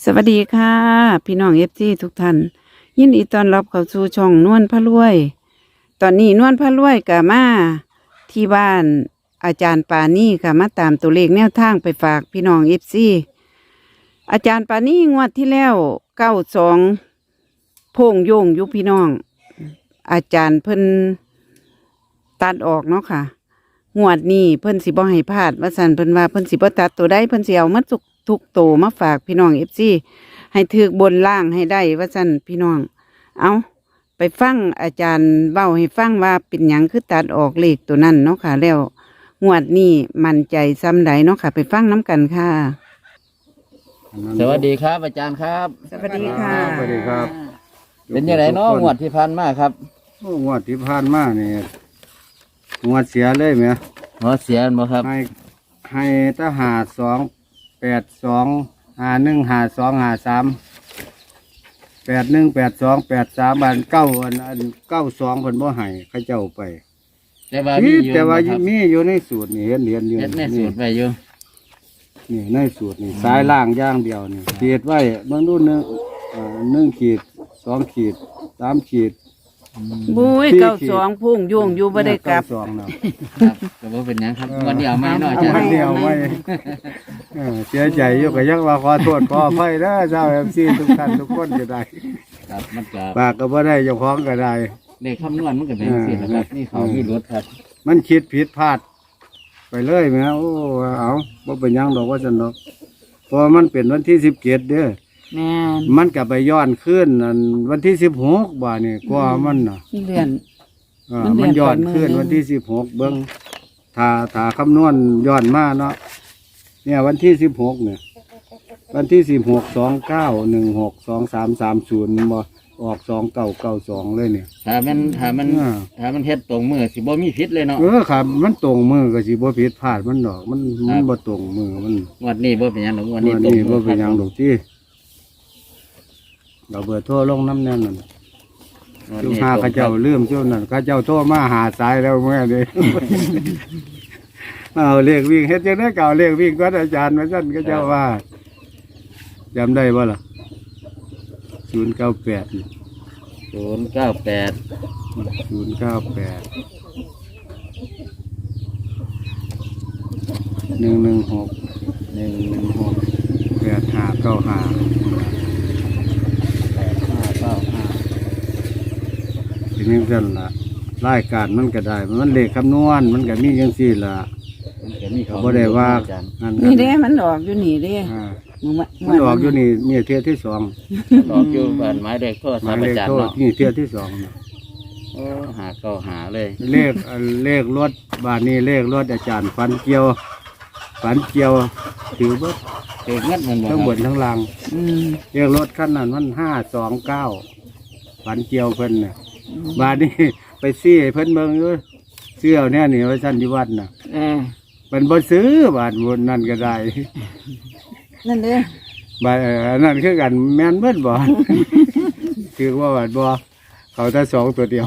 สวัสดีค่ะพี่น้องFCทุกท่านยินดีต้อนรับเข้าสู่ช่องนวลพระรวย ตอนนี้นวลพระรวยก็มาที่บ้านอาจารย์ปานี่ค่ะมาตามตัวเลขแนวทางไปฝากพี่น้องFCอาจารย์ปานี่งวดที่แล้ว92โพ่งโยงอยู่พี่น้อง อาจารย์เพิ่นตัดออกเนาะค่ะงวดนี้เพิ่นสิบ่ให้พลาดว่าซั่นเพิ่นว่าเพิ่นสิบ่ตัดตัวใดเพิ่นสิเอามาทุกโตมาฝากพี่น้อง FC ให้ถือบนล่างให้ได้ว่าซั่นพี่น้องเอาไปฟังอาจารย์เว้าให้ฟังว่าเป็นหยังคือตัดออกเลขตัวนั้นเนาะค่ะแล้วงวดนี้มั่นใจซ้ำใดเนาะค่ะไปฟังน้ำกันค่ะสวัสดีครับอาจารย์ครับสวัสดีค่ะสวัสดีครับเป็นยังไงเนาะงวดที่ผ่านมาครับโอ้งวดที่ผ่านมานี่งวดเสียเลยไหมหัวเสียบ่ครับให้ทหาร282515253818283อัน92เพิ่นบ่ให้เขาเจ้าไปแต่ว่ามีอยู่แต่ว่าครับมีอยู่ในสูตรนี่เห็นอยู่เฮ็ดในสูตรไปอยู่นี่ในสูตรนี่สายล่างอย่างเดียวนี่ขีดไว้เบิ่งดู1ขีด2ขีด3ขีดบุ้ยพี่ 92พุ่งโยงอยู่บ่ได้กลับ 92เนาะครับก็บ่เป็นหยังครับวันเดียวไม่เนาะอาจารเอาย์เดียวไว้เสียใจอยู่ก็ยังว่าขอโทษขออภัยนะเจ้าMC ทุกท่านทุกคนก็ได้ครับมันก็ปากก็บ่ได้เจ้าของก็ได้เลขคำนวณมันก็เป็นจังซี่นะครับนี่เขามีรถครับมันคิดผิดพลาด ไปเลยแหมโอ้เอาบ่เป็นหยังดอกว่าซั่นดอกเพราะมันเป็นวันที่17เด้อแม่นมันก็ไปย้อนขึ้นอันวันที่16บ่านี่กว่ามันน่ะเลื่อนมันย้อนขึ้นมันเลื่อนไปมื้อนึงวันที่16เบิ่งถ้าคำนวณย้อนมาเนาะเนี่ยวันที่16เนี่ยวันที่1629162330บ่ออก2992เลยเนี่ยถ้ามันเฮ็ดตรงมือสิบ่มีผิดเลยเนาะครับมันตรงมือก็สิบ่ผิดพลาดมันดอกมันบ่ตรงมือมันงวดนี้บ่เป็นหยังดอกงวดนี้วันตรงนี้มืบ่อเป็นหยังคดรับอกที่เราเบอร์โทรลงน้ำแน่นนั่นงวดจุนี้หาตรงเขาครัเจ้าบลืมเจ้านั่นเขาเจ้าโทรมาหาสายแล้วเมื่อเด้ เอาเลขวิ่งเฮ็ดจังได๋เก่าเลขวิ่งก็อาจารย์ว่าซั่นเขาเจ้าว่าจำได้บ่ล่ะ098 098 116 116 8595 ทีนี้กันละรายการมันก็ได้ มันเลขคำนวณมันก็มีจังซี่ล่ะมันก็มีเขาบ่ได้ว่าอาจารย์นั่นนี่เด้มันออกอยู่นี่เด้อ่ามื้อมันออกอยู่นี่เที่ยที่สองออกอยู่บ้านหมายเลขโทรหศัมาพยท์เลอาขจารโทย์ษเนาะนี่เที่ยที่สองน่ะโอ้หาเลยเลขรถบ้านนี้เลขรถอาจารย์ฝันเกี่ยวถือเบิดเกิดเงินมันบ่ทั้งบนครับทั้งล่างอืมเลขรถคันนั้นมัน529ฝันเกี่ยวเพิ่นน่ะบ้านนี้ไปซี่ให้เพิ่นเบิ่งอยู่เสื้อเนี่ยนี่ไว้ซั่นที่วัดน่ะเออมันบ่ซื้อบาทบนนั่นก็ได้นั่นเด้บาทอันนั่นคือกันแม่นเบิดบ่ คือว่าบาทบ่เขาแต่สองตัวเดียว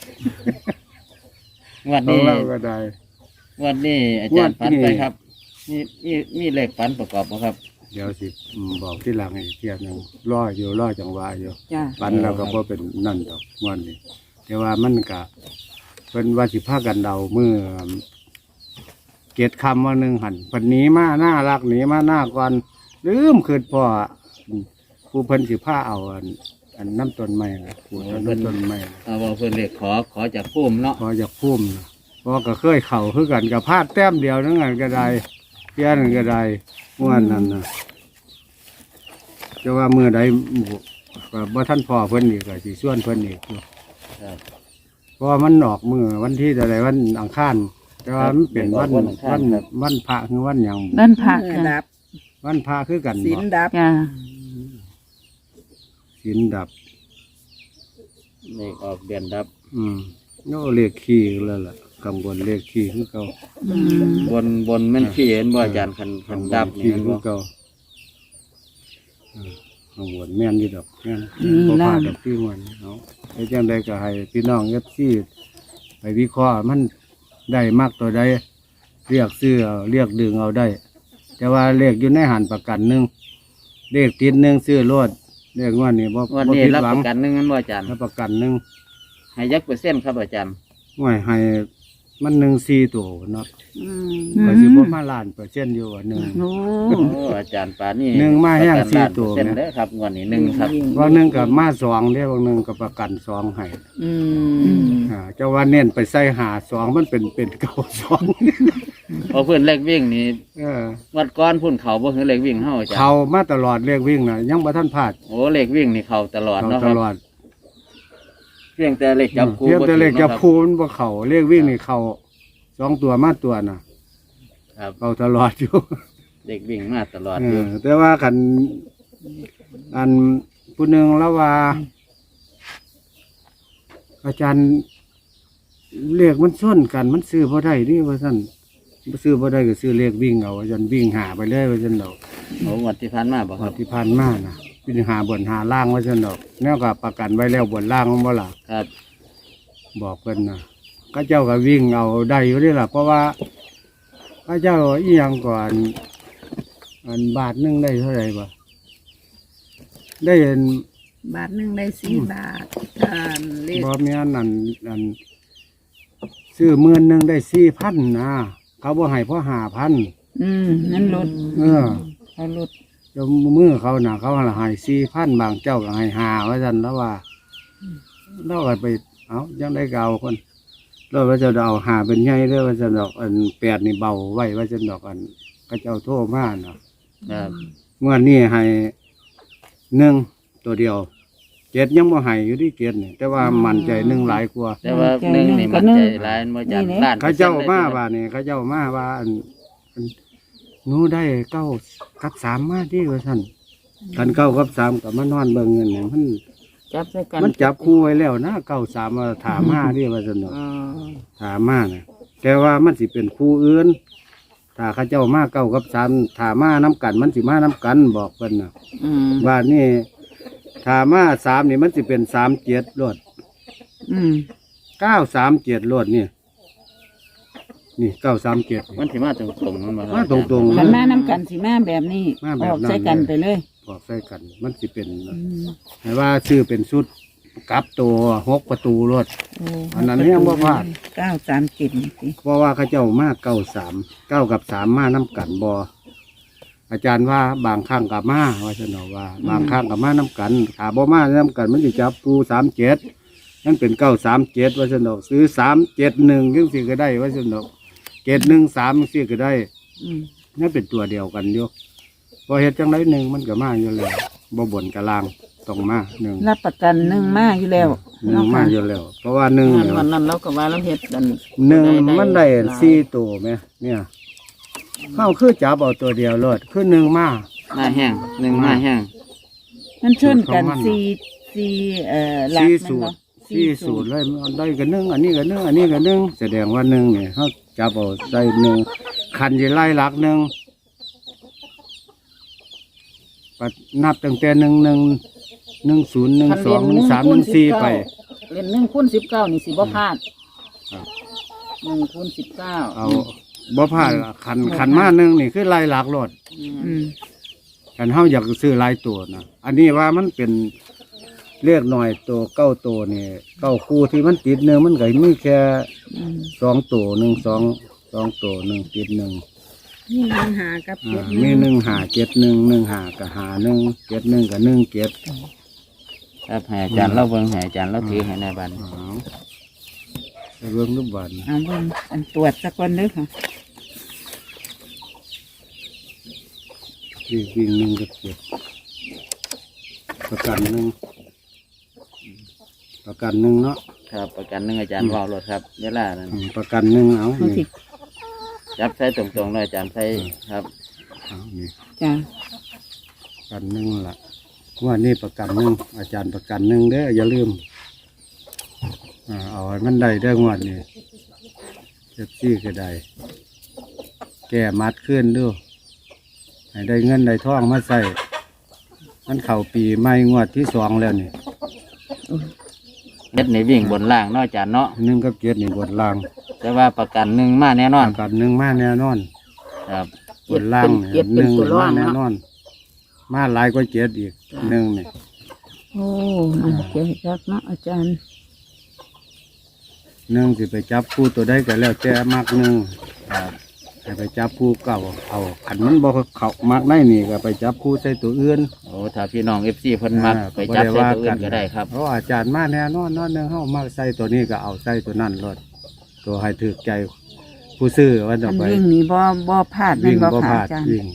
งวันของนี้เราก็ได้วันนี้อาจารย์งวดนี้ฝันไปครับมีเลขฝันประกอบบ่ครับเดี๋ยวสิบอกที่หลังอีกเทียบหนึงรอจังหวะอยู่จ้าปันเราก็บ่เป็นนั่นดอกงวันนี้แต่ว่ามันก็เป็นว่าสิพากันเดามือเกตคำว่าหนึ่งหันปันหนี้มาหน้ารักหนีมาหน้าก่อนลืมคืนพ่อผู้เพิ่นสิผ้าเอาอันน้ำต้นไม้นะปลูกเอาน้ำต้นไม้นะเอาว่าเพิ่นเลขขอจากภูมิเนาะพออยากพุ่มนะพอก็เคยเข่าคือกันกับพลาดแต้มเดียวนั่นกันก็ได้เพี้ยนนก็ได้เมื่อนั้นนะจะว่ามือใดก็บ่ท่านพ่อเพิ่นอีกก็สิส่วนเพิ่นอีกอยู่ครับเพราะว่ามันออกมือวันที่อะไรวันอังคารแต่ว่ามันเป็นวันวันอังคารครับวันพระคือวันหยังด้านผักค่ะดับวันพระคือกันสินดับจ้าศีลดับเลขออกเดือนดับโน่เลขขี้แล้วล่ะกังวลเลขขี้คือเก่าอืมบนแม่นขี้เห็นบ่อาจารย์คันดับนี่ขี้แม่นคืบ่อเก่ากังวลแม่นอยู่ดอกแม่นอืมพอพลาดล่ะดอกที่มันเอาไอ้จังใดก็ให้พี่น้องเอฟซีไปวิเคราะห์มันได้มากตัวใดเรียกซื้อเอาเรียกดึงเอาได้ แต่ว่าเลขอยู่ในหันประกันหนึ่งเลขติดหนึ่งซื้อรถเลขงวดนี้บ่วันบ่นี้ผิดรับหวัปงระกันหนึ่งนั้นว่าอาจารย์รับประกันหนึ่งให้ยักเปอร์เซ็นต์ครับอาจารย์ห่วยให้มันหนึ่งสี่ตัวเนาะอืมก็สิบ่มาล้านเปอร์เซ็นต์อยู่ว่าหนึ่งโอ้โอ้อาจารย์ปานนี่หนึ่งมาแห้งประกันสี่ล้านตัวเปอร์เซ็นต์นะเด้อครับงวันนี้หนึ่งครับว่าหนึ่งกับมาสองเด้บางหนึ่งกับประกันสองให้อืมเจ้าว่าเน้นไปใส่หาสองมันเป็นเก่าสองเพราะเพื่อนเลขวิ่งนี่เออวัดก้อนพุ่นเขาบ่คือเลขวิ่งเฮาอาจารย์เขามาตลอดเลขวิ่งน่ะยังบ่ทันพลาดโอ้เลขวิ่งนี่เขาตลอดเขาเนาะคตรับลอดเพียงแต่เลขจับคู่เทียบแต่เลขจับบ่ถูกคูมันบ่เขาเลขวิ่งนี่เขาสองตัวมาตัวน่ะครับเขาตลอดอยู่เลขวิ่งมาตลอดเออยู่อแต่ว่าคันอันผู้หนึ่งแล้วว่า อาจารย์เลขมันส้นกันมันซื้อพอได้นี่ว่าซั่นซื้อพอได้ก็ซื้อเลขวิ่งเอาอาจารย์วิ่งหาไปเลยว่าซั่นดอกโอ้งวดที่ผ่านมาบ่งคว รัดบที่ผ่านมานะวิ่งหาบนหาล่างว่าซั่นดอกแนวกับประกันไว้แล้วบนล่างมันบ่ล่ะครับบอกเพิ่นนะข้าเจ้าก็วิ่งเอาได้อยู่นี่ล่ะเพราะว่าข้าเจ้าอีหยังก่อนอันบาทหนึงได้เท่าไหร่บ่ได้เห็นบาทหนึ่งได้4 บาทเลขบ่มีอันนั้นอันซื้อ10,000ได้4,000นะเขาบ่ให้เพราะ5,000 นั่นลดเออเขาลดเจ้ามือเขาน่ะเขาให้4,000บางเจ้าก็ให้5ว่าซั่นแล้วว่าเราก็ไปเอายังได้เก่าคนแล้วว่าจะเอาหาเป็นใหญ่เด้อว่าซั่นดอกอัน8นี่เบาไว้ว่าซั่นดอกอันเขาเจ้าโทรมาเนาะครับเมื่อนี้ให้1ตัวเดียว7ยังบ่ให้อยู่ที่7นี่แต่ว่ามั่นใจ1หลายกว่าแต่ว่าหนึ่งนี่มันใจหลายบ่อาจารย์ล้านเขาเจ้ามาว่านี่เขาเจ้ามาว่าอันหนูได้9กับ3มาที่ว่าซั่นกัน9กับ3ก็มานอนเบิ่งเงินนี่มันจับใส่กันมันจับคู่ไว้แล้วนะ93ว่าถามมาที่ว่าซั่นเนาะอ๋อถามมาน่ะแต่ว่ามันสิเป็นคู่อื่นถ้าเขาเจ้ามา9กับ3ถามมาน้กันมันสิมาน้กันบอกเพิ่นน่ะอืมบ้านนี้ถามมา3นี่มันสิเป็น37รถอืม 937รถนี่นี่937 มันสิมาตรงๆมันบ่ครับมาตรงๆขันมาน้ำกันสิมาแบบนี้มาแบบออกใส่กันไปเลยบอกใส่กัน มันสิเป็นให้ว่าชื่อเป็นชุดกลับตัว6ประตูรถโอ้อันนั้นยังบ่พลาด 937นี่สิเพราะว่าเขาเจ้ามา9 กับ 3มาน้กันบออาจารย์ว่าบางครั้งกับมาว่าฉันเอาว่า บางครั้งกับมาน้กันถ้าบ่มาน้กันมันสิจับปู37นั่นเป็น937ว่าฉันเอาซื้อ371จังสิก็ได้ว่าฉันเอา713จังสิก็ได้อืมนั่นเป็นตัวเดียวกันอยู่พอเฮ็ดจังไดหนึ่งมันก็มาอยู่แล้วบ่บ่นกะลางต้องมาหนึ่งรับประกันหนึ่งมาอยู่แล้วหนึ่งมาอยู่แล้ว เพราะว่าหนึ่งเนี่ยวันนั้นเราก็ว่าเราเฮ็ดกันหนึ่งมันได้4ตัวไหมเนี่ยเข้าคือจับเอาตัวเดียวรอดคือหนึ่งมามาแห้งหนึ่งมาแห้งมันชนกันของมันสี่หลักสี่มันสูบ่ตรสี่สูตรเลยมันได้กันหนึ่งอันนี้กันหนึ่งอันนี้กันหนึ่งแสดงว่าหนึ่งเนี่ยเขาจับเอาใส่หนึ่งคันจะไล่หลักหนึ่งปัดนับตั้งแต่1 0 1 2 1 3 1 4ไปเล่น1คูณ19นี่สิบ่พลาดครับ 1คูณ19 เอาบ่พลาดละขันมาหนึ่งนี่คือไล่หลักรถอืมขันเฮาอยากซื้อหลายตัวนะอันนี้ว่ามันเป็นเลขหน่อยตัว9ตัวนี่9คู่ที่มันติดหนึ่งมันก็มีแค่อืม 2ตัว2ตัว1ติด1 นี่1หากับมี1 5 7 1 1 5กับ5 1 7 1กับ1 7 ครับให้อาจารย์เราเบิ่งให้อาจารย์เราถือให้ในบ้านไปเบิ่งรูปบันเอาเบิ่งอันตรวจสักคนเด้อค่ะวิ่ง1กับ7ประกัน1เนาะครับประกันหนึ่งอาจารย์ว่าวรถครับเวลานั้นประกัน1เอาเอาสินี่จับใส่ตรงๆเลยอาจารย์ใส่ครับเอานี่จ้าประกัน1ล่ะว่านี่ประกัน1อาจารย์ประกัน1เด้ออย่าลืมเอาให้มันได้เด้องวดนี้เจ็บซี่ก็ได้แก้มัดขึ้นด้วยให้ได้เงินได้ทองมาใส่มันเข้าปีใหม่งวดที่2แล้วนี่เฮ็ดในวิ่งบนล่างเนาะอาจารย์เนาะ 1กับ7นี่บนล่างแต่ว่าประกันหนึ่งมาแน่นอนประกัน1มาแน่นอนครับบนล่างเจ็ดเป็นตัวรองแน่เนาะนอนมาหลายกว่าเจ็ดอีกหนึ่งนี่โอ้มันเจ๋งจักเนาะอาจารย์หนึ่งสิไปจับผู้ตัวได้ก็แล้วแต่มักหนึ่งให้ไปจับผู้เก่าเอาขันมันบ่เขามักได้นี่ก็ไปจับผู้ใส่ตัวอื่นโอ้ถ้าพี่น้อง FC เพิ่นมักไปจับใส่ตัวอื่นก็ได้ครับเพราะอาจารย์มาแน่นอนหนึ่งเฮามาใส่ตัวนี้ก็เอาใส่ตัวนั้นรถตัวให้ถูกใจผู้ซื้อว่าจะอันไปวิ่งนี่บ่พลาดแม่วิ่นงบ่บ่ค่ะพลาดอาจารย์วิ่ง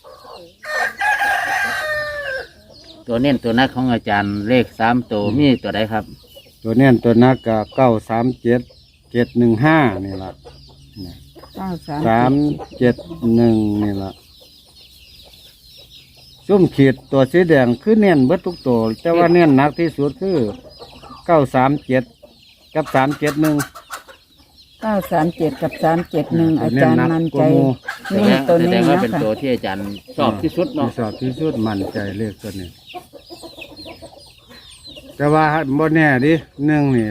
ตัวเน้นตัวนักของอาจารย์เลข3ตัวมีตัวใดครับตัวเนี้ยตัวนักก็937 715นี่ล่ะ 371นี่ล่ะซุ่มขีดตัวสีแดงคือเน้นเบิดทุกตัวแต่ว่าเน้นหนักที่สุดคือ937กับ371 937กับ371อาจารย์มั่นใจแสนี่ดงตัวแสดนี้งว่าเนาะเป็นค่ะตัวที่อาจารย์ชอบที่สุดเนาะชอบที่สุดมั่นใจเลขตัวนี้ แต่ว่าบ่แน่ดิหนึ่งนี่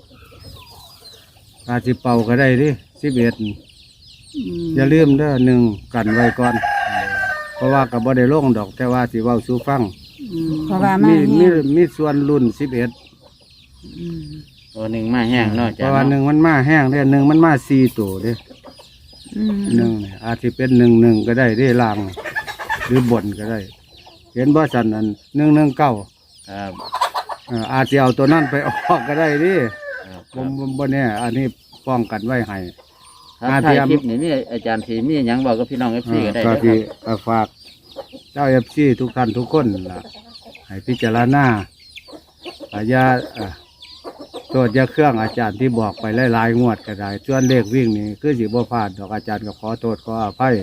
อาจสิเป่าก็ได้ดิ11อย่าลืมเด้อหนึ่งกันไว้ก่อน เพราะว่ากับบ่ได้ลงดอกแต่ว่าสิเว้าสู่ฟังเพราะว่ามามีแห้งมีส่วนรุ่น11 ตัวหนึ่งมาแห้งเนาะอาเพจารราะย์ว่าหนึ่งเนาะมันมาแห้งเด้อหนึ่งมันมา4ตัวเด้ หนึ่งนี่อาจจะเป็น11ก็ได้ได้ล่างหรือบนก็ได้ เห็นบ่สันนั้น119 ครับอาจจะเอาตัวนั้นไปออกก็ได้ดิครับบ่แน่อันนี้ป้องกันไว้ให้ครับอาถ่ายเทียมคลิปนี่มีอาจารย์สีมีหยังบอกกับพี่น้อง FC ก็ได้ก็เด้อคที่รับฝากเจ้าFC ทุกท่านทุกคนล่ะให้พิจารณาอย่าโทษอย่าเครื่องอาจารย์ที่บอกไปหลายๆงวดก็ได้ส่วนเลขวิ่งนี่คือสิบ่พลาดดอกอาจารย์ก็ขอโทษขออภัย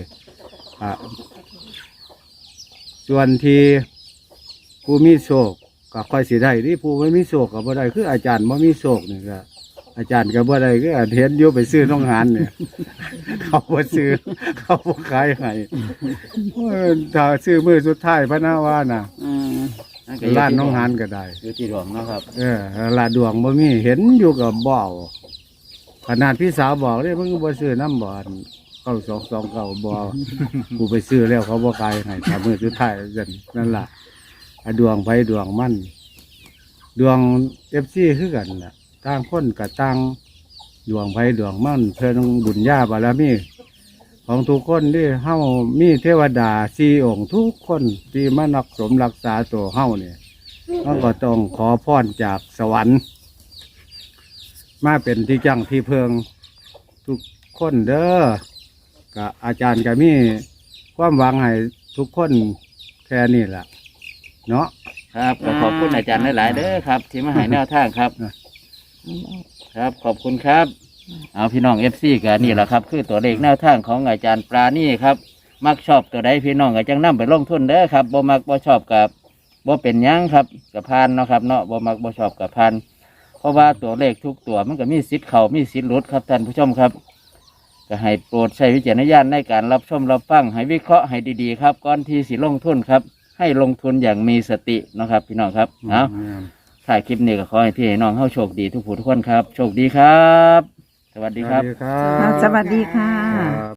ส่วนที่ผู้มีโชคก็ค่อยสิได้ที่ผู้ไม่มีโชคก็บ่ได้คืออาจารย์บ่มีโชคนี่ก็อาจารย์ก็บ่ได้คือเห็นอยู่ไปซื้อน้องหานเนี่ย เขาบ่ซื้อเขาบ่ขายให้ถ้าซื้อมือสุดท้ายพะนะว่าน่ะนั่นก็อยู่ร้านที่น้องหานก็ได้อยู่ที่ดวงเนาะครับลาดดวงบ่มีเห็นอยู่กับบ่เอาขนาดพี่สาวบอกเลยมึงบ่ซื้อน้ำบ่อน9229บ่กูไปซื้อแล้วเขาบ่ขายให้ถ้ามือสุดท้ายนั่นล่ะดวงไปดวงมันดวง FC คือกันน่ะต่างคนกับต่างดวงไปดวงมันเพิ่นบุญญาบารมีของทุกคนที่เฮามีเทวดา4องค์ทุกคนที่มารักสมรักษาตัวเฮาเนี่ยมันก็ต้องขอพรจากสวรรค์ มาเป็นที่จังที่เพิงทุกคนเด้อกับอาจารย์ก็มีความหวังให้ทุกคนแค่นี้แหละเนาะครับก็ขอบคุณอาจารย์หลายๆเด้อครับ ที่มาให้แนวทางครับ ครับขอบคุณครับ เอาพี่น้อง FC กันนี่แหละครับ คือตัวเลขแนวทางของอาจารย์ปราณีครับ มักชอบตัวใดพี่น้องก็จังนำไปลงทุนเด้อครับบ่มักบ่ชอบกับบ่เป็นหยังครับกับพานเนาะครับเนาะบ่มักบ่ชอบกับพานเพราะว่าตัวเลขทุกตัวมันก็มีสิทธิ์เข้ามีสิทธิ์หลุดครับท่านผู้ชมครับ ก็ให้โปรดใช้วิจารณญาณในการรับชมรับฟังให้วิเคราะห์ให้ดีๆครับก่อนที่สิลงทุนครับให้ลงทุนอย่างมีสติเนาะครับ พี่น้องครับเอาถ่ายคลิปนี้ก็ขอให้พี่ให้น้องเข้าโชคดีทุกผู้ทุกคนครับโชคดีครับ สวัสดีครับสวัสดีครับสวัสดีค่ะครับ